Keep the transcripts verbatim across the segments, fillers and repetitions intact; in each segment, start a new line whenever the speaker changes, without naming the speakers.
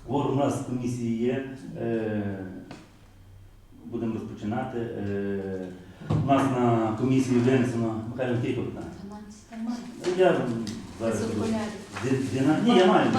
Кворум у нас в комісії є. Е, Будемо розпочинати. Е, У нас на комісії винесено, Михайло, який питання? Я зараз Дина- Ні, я маю.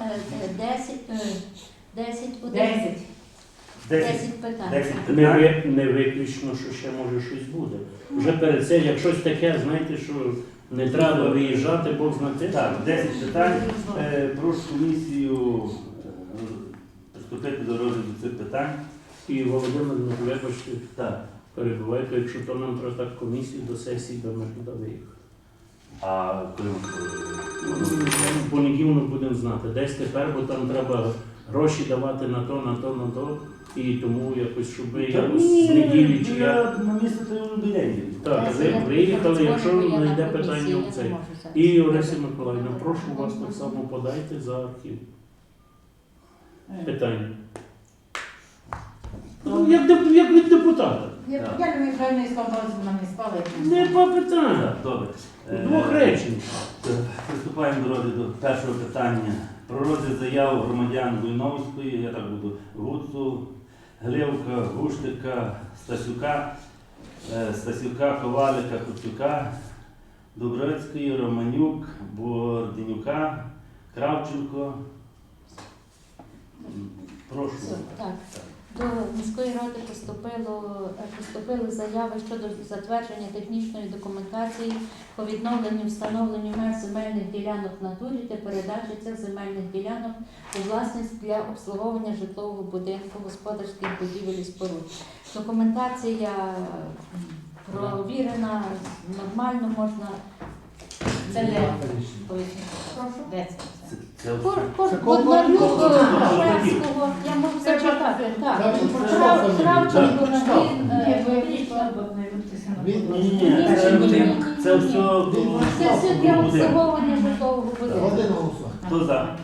десять,
Десять.
десять
питань.
десять
Не,
питань.
ви- не виключно, що ще може щось буде. Вже перед цим, як щось таке, знаєте, що не треба виїжджати, Бог знає.
Так, десять питань. Е, Прошу комісію е, приступити до розгляду цих питань.
І Володимир, ну, вибачте,
Так.
перебувайте, якщо то нам треба так комісію до сесії, то ми туди виїхали.
А коли ми
В понеділок будемо знати, десь тепер, бо там треба гроші давати на то, на то, на то. І тому якось, щоб ви якось з неділі чи як.
на місце то юбілейні.
Так, ви виїхали, якщо не йде питання в цей. І Орися Миколаївна, прошу вас так само подайте за архів. Питання. Ну, як, деп- як від депутата.
Я я не маю не сказала, що нам не спали.
Не по питання.
Так, добре.
У двох речень.
Приступаємо до розгляду першого питання. Про розгляд заяв громадян Буйновської, я так буду, Гуцу, Гливка, Гуштика, Стасюка, е, Стасюка, Ковалика, Куцюка, Дубровецької, Романюк, Борденюка, Кравченко. М, Прошу.
Так. До міської ради поступило, поступили заяви щодо затвердження технічної документації по відновленню встановленню меж земельних ділянок в натурі та передачі цих земельних ділянок у власність для обслуговування житлового будинку, господарських будівель і споруд. Документація провірена, нормально можна.
Це не
пояснити. Прошу.
Де це?
Це- це все.
Кор- кор-
Це
Боднарюк,
Кор-
Шведського, я можу зачитати. Так,
Це-
Крав-
це-
Кравченко,
Прочитав.
він,
Ні,
е,
ви
Вічна.
пішла, бо не витися на
Він-
Ні, ні,
Ні,
ні,
ні,
це,
ні, ні, ні.
це все
Це все для обслуговування житлового
Один
будинку.
голосує.
Хто за?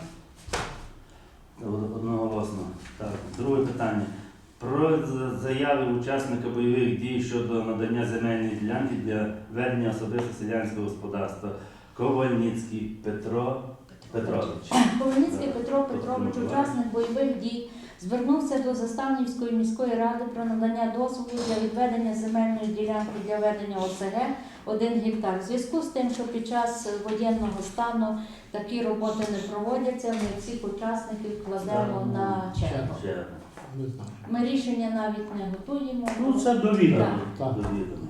Одноголосно. Так, друге питання. Про з- заяви учасника бойових дій щодо надання земельної ділянки для ведення особисто селянського господарства. Ковальницький Петро Петрович.
Ковальницький Петро Петрович, учасник бойових дій, звернувся до Заставнівської міської ради про надання дозволу для відведення земельної ділянки для ведення О С Г один гектар. В зв'язку з тим, що під час воєнного стану такі роботи не проводяться, ми всіх учасників кладемо на чергу.
Ще
Не знаю.
Ми рішення навіть не готуємо.
Ну, це довідано.
Так.
довідомо.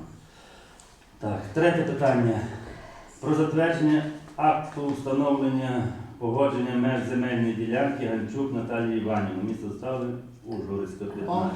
Так, третє питання. Про затвердження акту встановлення погодження меж земельної ділянки Ганчук Наталії Іванівни. Місто Застави, Ужгородська, п'ятнадцять.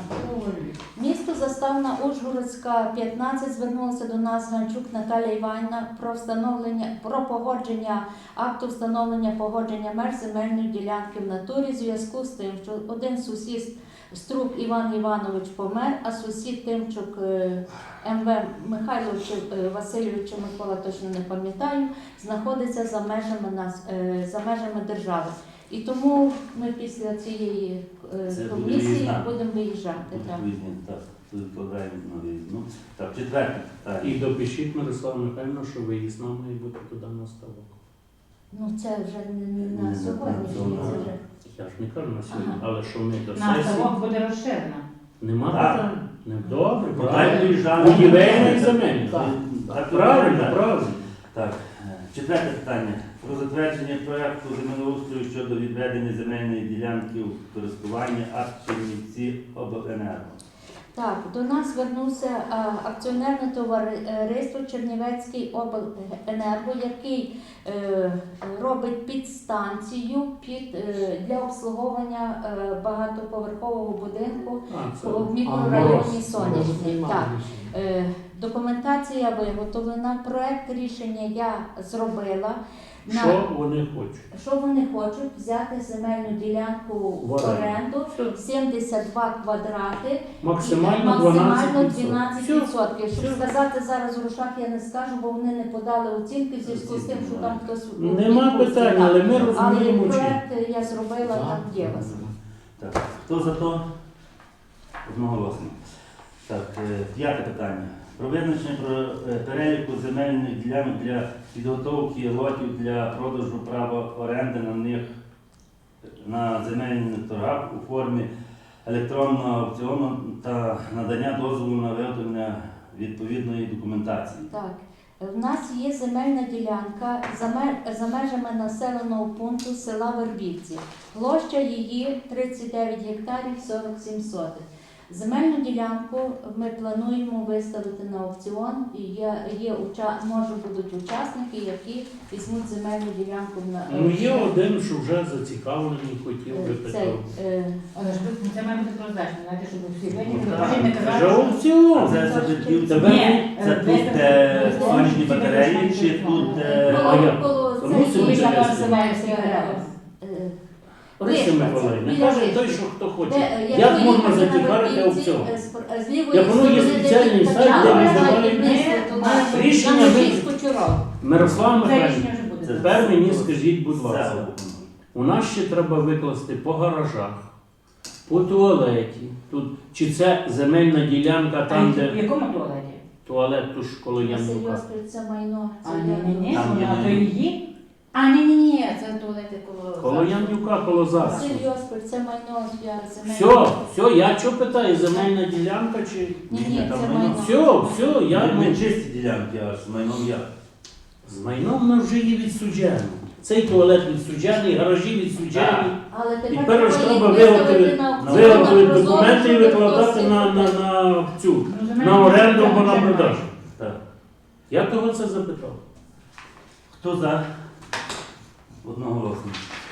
Місто Заставна Ужгородська, п'ятнадцять, звернулася до нас Ганчук Наталія Іванівна про встановлення, про погодження акту встановлення погодження меж земельної ділянки в натурі в зв'язку з тим, що один сусід Струк Іван Іванович помер, а сусід Тимчук е, М В Михайлович е, Васильович, Микола точно не пам'ятаю, знаходиться за межами нас, е, за межами держави. І тому ми після цієї е,
Це буде
комісії
виїзна.
будемо виїжджати. Так.
Виїзні, так, тут відкладаємо на виїзну. Так, четверте питання.
І допишіть, Мирослава Михайлівна, що виїзна має бути туди на ставок.
Ну це вже не, не
Не,
на
не,
сьогодні,
це
це
на-
вже.
Я ж не кажу на сьогодні,
Ага.
але що ми до
На
сесії.
ставок буде розширена.
Нема
Так.
питань? Не добре,
Поки
правильно.
виїжджали.
Будівельна і земельна.
Так.
Так,
Правильно,
так.
правильно.
Так, е, четверте питання. Про затвердження проєкту землеустрою щодо відведення земельної ділянки у користування акт Чернівці обленерго.
Так, до нас звернувся а, акціонерне товариство Чернівецький обленерго, який е, робить підстанцію під, е, для обслуговування е, багатоповерхового будинку
А, це.
в
А,
мікрорайоні
Мороз.
Сонячний.
Може,
Так.
приймати
Е, Документація виготовлена, проект рішення я зробила. На-
Що вони хочуть?
Що вони хочуть? Взяти земельну ділянку в
В оренду.
оренду, сімдесят два квадрати,
Максимально
максимально
дванадцять
дванадцять
відсотків.
відсотків. Щоб
Все.
сказати зараз в грошах я не скажу, бо вони не подали оцінки в зв'язку з тим, що там хтось у
Нема
відпустці,
питань,
так.
але ми
Але
розуміємо, чим.
проект я зробила,
Так.
там є у вас.
Так, хто за то? Одноголосно. Так, е, п'яте питання. Про визначення про е, переліку земельних ділянок для підготовки лотів для продажу права оренди на них на земельних торгах у формі електронного аукціону та надання дозволу на виготовлення відповідної документації.
Так. В нас є земельна ділянка за мер- за межами населеного пункту села Вербівці. Площа її тридцять дев'ять гектарів сорок сім сотих. Земельну ділянку ми плануємо виставити на аукціон, і є, є уча... може будуть учасники, які візьмуть земельну ділянку на
Ну є один, що вже зацікавлений, хотів би
Е, цей,
питав.
е,
Але ж ви- це має бути прозрачно, знаєте, щоб всі винні,
Ну,
не
так.
кажіть, не
Вже
казали. що-
аукціон.
Це забитків
Тебе-
Ні,
це
е,
тут,
виставити-
де
виставити
сонячні
всі
батареї,
виставити
чи
телефон.
тут, де...
а
коло,
як?
коло
То
це
мусимо
є,
це
е,
називається
е,
перерва.
е,
Орисі
Вишка,
Миколаївна,
біля
каже
Вишки.
той, що хто
Де,
хоче.
е,
Як
якщо
можна
їхати на
зацікавити
Вербівці,
аукціон?
е, з- е, з лівої
Як воно є
сторони, де
спеціальний
він
сайт,
качав,
де
вона
визивають
і вниз,
мене,
туди,
має
рішення
на
ви-
Львівську Чуров.
Мирослава
Це
Михайлівна,
рішення вже буде.
тепер мені скажіть, будь
Це
ласка, у нас ще треба викласти по гаражах, по туалеті. Тут, чи це земельна ділянка там,
В
де
якому туалеті?
туалет туж коло
Василь
Янука.
Йосипович, це майно.
А,
це
ні, ні, ні,
я-
Там є
вона то
не-
її. А, ні, ні, ні, це туалети коло...
Коло Янука, коло Засу.
Василь Йосипович, це майно. я- це
Все,
майно.
все, я що питаю, земельна ділянка чи...
Ні, ні,
Там
це
майно.
майно.
Все, все, я...
Я
ну,
не чисті ділянки, аж з майном я.
З майном ми вже є відсуджено. Цей туалет відсуджений, гаражі відсуджені.
Але тепер,
тепер ж треба
їх виставити
виготовити-
на аукціон,
Виготовити
на Прозоро,
документи і
щоб
викладати
хтось
на, на,
їх
на цю,
Ну, земельна
на оренду
ділянка
або на
вже
продаж.
має.
Так.
Я того це запитав.
Хто за? Одноголосно.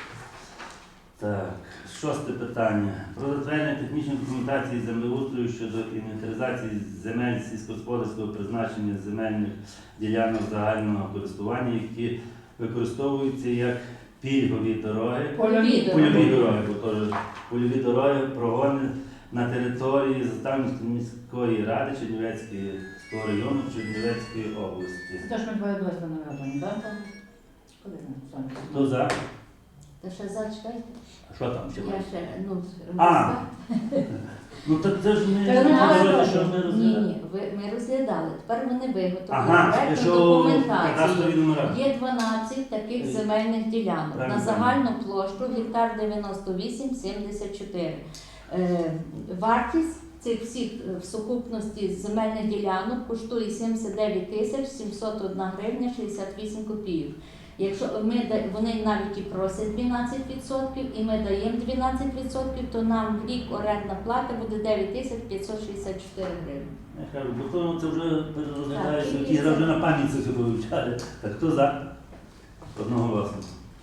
Так, шосте питання. Про затвердження технічної документації землеустрою щодо інвентаризації земель сільськогосподарського призначення земельних ділянок загального користування, які використовуються як пільгові дороги.
Польові.
Польові дороги, бо теж польові дороги прогони на території Заставницької міської ради Чернівецького району Чернівецької області.
Це ж ми двоє близько не робимо, так? Коли ми сонце?
Хто за?
Та ще зачекайте.
А що там ще?
Я
має?
ще, ну,
А. Ну так це ж не
Це не
не
наше
говорите,
теж.
що ми
Ні,
розглядаємо.
ні, ви, ми розглядали. Тепер вони виготовили
Ага,
проектну
що
документацію.
кадастрові номера.
Є дванадцять таких земельних ділянок
Правильно.
на загальну площу гектар дев'яносто вісім сімдесят чотири. Е, вартість цих всіх е, в сукупності земельних ділянок коштує сімдесят дев'ять тисяч сімсот одна гривня шістдесят вісім копійок. Якщо ми да- вони навіть і просять дванадцять відсотків, і ми даємо дванадцять відсотків, то нам в рік орендна плата буде дев'ять тисяч п'ятсот шістдесят чотири гривні.
Я кажу, бо то це вже розглядаєш,
Так,
які
і це.
вже на пам'ять це все вивчали. Так хто за? Одноголосно.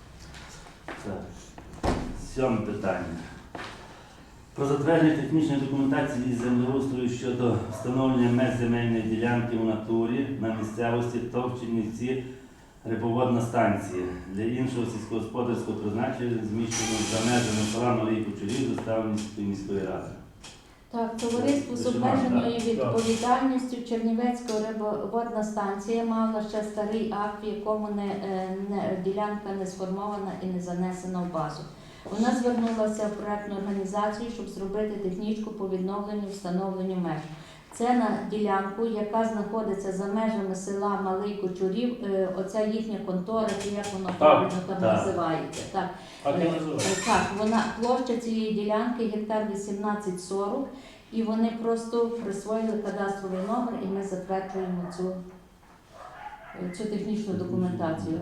Так. Сьоме питання. Про затвердження технічної документації із землеустрою щодо встановлення меж земельної ділянки у натурі на місцевості Товчинівці рибоводна станція для іншого сільськогосподарського призначення, зміщено за межами села Малий Кучурів Заставницької міської ради.
Так, товариство з
Це
обмеженою
так,
відповідальністю Чернівецька рибоводна станція мала ще старий акт, в якому не, е, не, ділянка не сформована і не занесена в базу. Вона звернулася в проектну організацію, щоб зробити технічку по відновленню і встановленню меж. Це на ділянку, яка знаходиться за межами села Малий Кочурів, е, оця їхня контора, чи як воно правильно там
так.
називається. Так.
Так і
Е,
називається.
е, Так, вона площа цієї ділянки гектар вісімнадцять сорок, і вони просто присвоїли кадастровий номер, і ми затверджуємо цю, е, цю технічну документацію.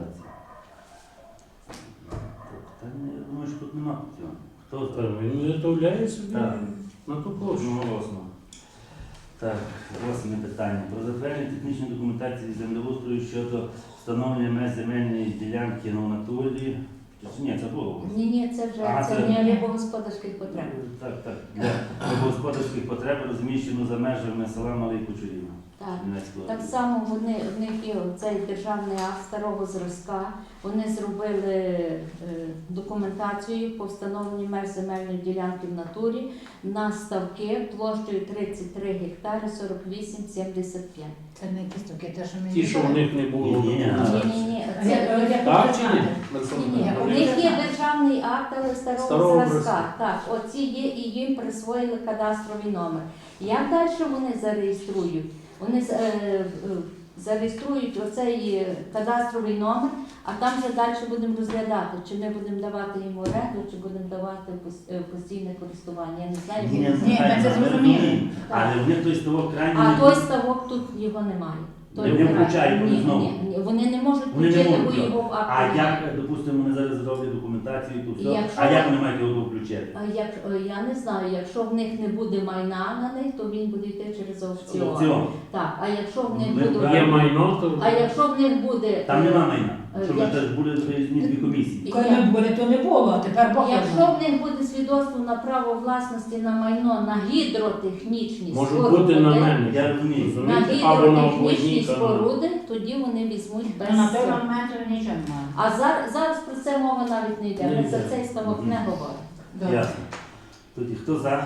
Та ні, я думаю, що тут нема цього. Хто
Та
за?
Він виготовляє собі
Так.
на ту площу.
Одноголосно. Так, восьме питання. Про затвердження технічної документації землеустрою щодо встановлення меж земельної ділянки на натурі. Чи ні, це було.
Ні, ні, це вже
Ага,
це
це-
не рибогосподарських потреб.
Так, так. Для господарських потреб розміщено за межами села Малий Кучурів.
Так.
Чернівецької
Так
області.
само вони, в них є цей державний акт старого зразка. Вони зробили е, документацію по встановленню меж земельної ділянки в натурі на ставки площею тридцять три гектари сорок вісім сімдесят п'ять.
Це не якісь такі, те, що ми
Ті, що в них не було.
Ні, ні.
Ні, ні, ні,
А я-
це
я-
Так чи ні?
ні, ні,
Я
у
вони
них є
знаю.
державний акт, але старого,
Старого
зразка.
зразка.
Так, оці є і їм присвоїли кадастровий номер. Як далі вони зареєструють? Вони з- е, е, зареєструють оцей е, кадастровий номер, а там вже далі будемо розглядати, чи ми будемо давати їм в оренду, чи будемо давати в пос- е, в постійне користування. Я не знаю.
Ні,
я не
ні,
знаю.
Ні,
нехай,
це
ми
зрозуміло.
розуміємо. Але вони той ставок крайній
А
не
той
будуть.
ставок тут його немає. Той
Не
немає.
включають вони
Ні,
знову?
ні, ні, вони не можуть
Вони не
включити,
можуть
бо
його.
його в акті
А
немає.
як, допустимо, вони зараз зроблять документацію, то все.
Якщо-
А як вони мають його включити?
А як, е, я не знаю, якщо в них не буде майна на них, то він буде йти через аукціон.
Аукціон.
Так, а якщо в них
Ми
буде,
брали-
Є майно, то
а якщо в них буде,
Там нема майна.
Е,
Щоб
як-
це ж були виїзні дві комісії.
Коли ми були, то не було, а тепер Бог його
якщо
знає.
в них буде свідоцтво на право власності на майно на гідротехнічні
може
споруди,
бути на мене.
Я розумію.
на
Розумієте? Або на
гідротехнічні
обводній
споруди, тоді вони візьмуть без
То на той
цього.
момент нічого немає.
А зараз, зараз про це мова навіть не йде.
Не
Ми за
йде.
цей ставок
Мгм.
не говоримо.
Добре.
Ясно. Тоді хто за?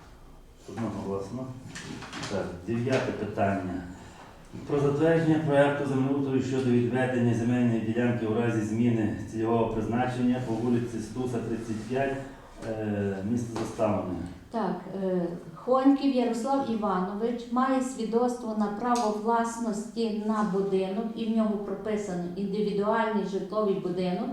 Одноголосно. Так, дев'яте питання. Про затвердження проекту землеустрою щодо відведення земельної ділянки у разі зміни цільового призначення по вулиці Стуса, тридцять п'ять, е, місто Заставлене.
Так, е, Хоньків Ярослав Іванович має свідоцтво на право власності на будинок, і в нього прописано індивідуальний житловий будинок,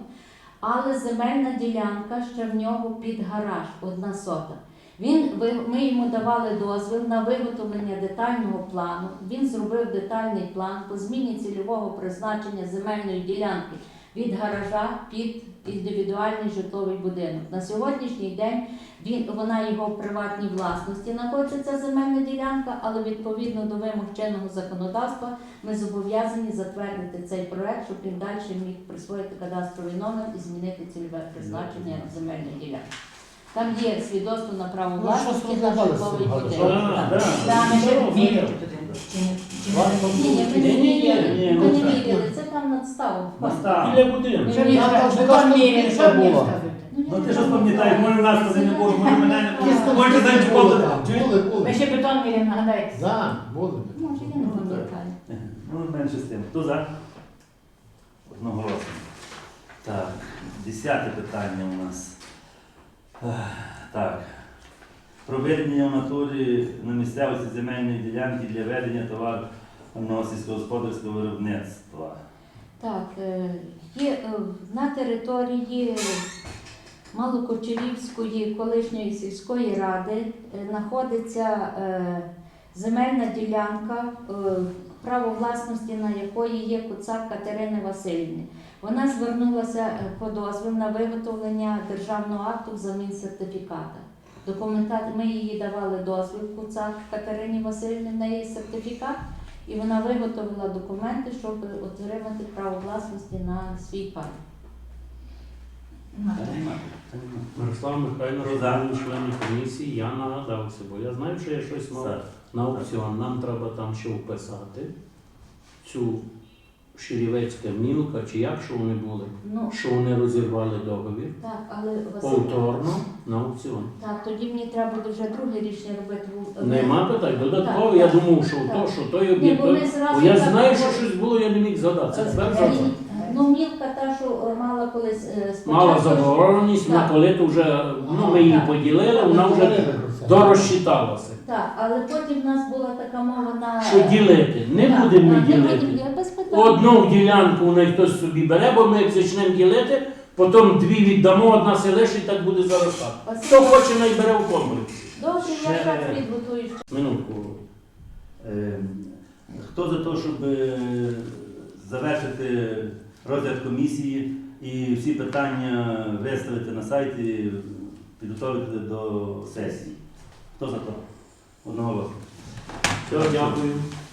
але земельна ділянка ще в нього під гараж, одна сота. Він, ви- ми йому давали дозвіл на виготовлення детального плану. Він зробив детальний план по зміні цільового призначення земельної ділянки від гаража під індивідуальний житловий будинок. На сьогоднішній день він, вона його в приватній власності знаходиться ця земельна ділянка, але відповідно до вимог чинного законодавства ми зобов'язані затвердити цей проект, щоб він далі міг присвоїти кадастровий номер і змінити цільове призначення земельної ділянки. Там є свідоцтво на право
Ну,
власності
щось
на
розглядали
житловий
з цим
будинок.
гаражом.
Так.
Да,
Да, ми ще
Здорово,
вірили
здорово.
туди. Чи не- чи не-
Ладно.
Ні, ні, ми не
Ні, ні, ні,
вірили.
ні,
Ми
ну
не
так.
вірили, це там надстава.
Настав.
Біля будинку.
Що
Ні,
він
ні,
сказав,
ні,
що
ні,
там
ні,
вірили,
ні,
що
ні,
мені
було.
сказати?
Ну ти ж пам'ятаєш, може нас тоді не було, може мене не було. Може
Були
зайчиком.
там, були,
Ви
були.
ще бетон міряли, нагадайте.
Да, були.
Може, я не пам'ятаю.
Ну, менше з тим. Хто за? Одноголосно. Так, десяте питання у нас. Ех, Так. Проведення в натурі на місцевості земельної ділянки для ведення товарного сільськогосподарського виробництва.
Так, е, є е, на території Малокочерівської колишньої сільської ради е, знаходиться е, земельна ділянка, е, право власності на якої є Куцак Катерини Васильівни. Вона звернулася е, по дозвіл на виготовлення державного акту взамін сертифіката. Документат, ми їй давали дозвіл Куцак Катерині Васильівні на її сертифікат, і вона виготовила документи, щоб отримати право власності на свій пай.
Та нема, та нема.
Мирослав Михайлович,
Хто за?
був член комісії, я нагадався, бо я знаю, що я щось мав
За.
на аукціон. Нам треба там ще вписати цю Ширівецька мілка, чи як що вони були,
Ну,
що вони розірвали договір
так, але Василь,
повторно на аукціон.
так, тоді мені треба буде вже друге рішення робити. в-
Нема питань, додатково,
Так,
я
так,
думав, що
так.
то, що той
Ні,
об'єкт.
бо ми зразу
Бо я
так
знаю, що
говоримо.
щось було, я не міг згадати. Це тепер
Е,
згадав.
Ну, мілка та, що е, мала колись е, спочатку.
Мала забороненість,
Так.
вона коли то вже, ну ми її
Так.
поділили, вона вже дорозчиталася.
Так, але потім в нас була така мова на...
Що ділити? Не
Так,
будемо ми
так, не будемо,
ділити.
я без питань.
Одну ділянку у неї хтось собі бере, бо ми як почнемо ділити, потім дві віддамо, одна се лишить, так буде заростати.
Василь,
Хто хоче, най бере в комплексі.
добре, я
Ще-
зараз підготую.
Минутку.
Е, Хто за те, щоб е, завершити розгляд комісії і всі питання виставити на сайті, підготовити до сесії? Хто за те? Одного голосу.
Все, дякую.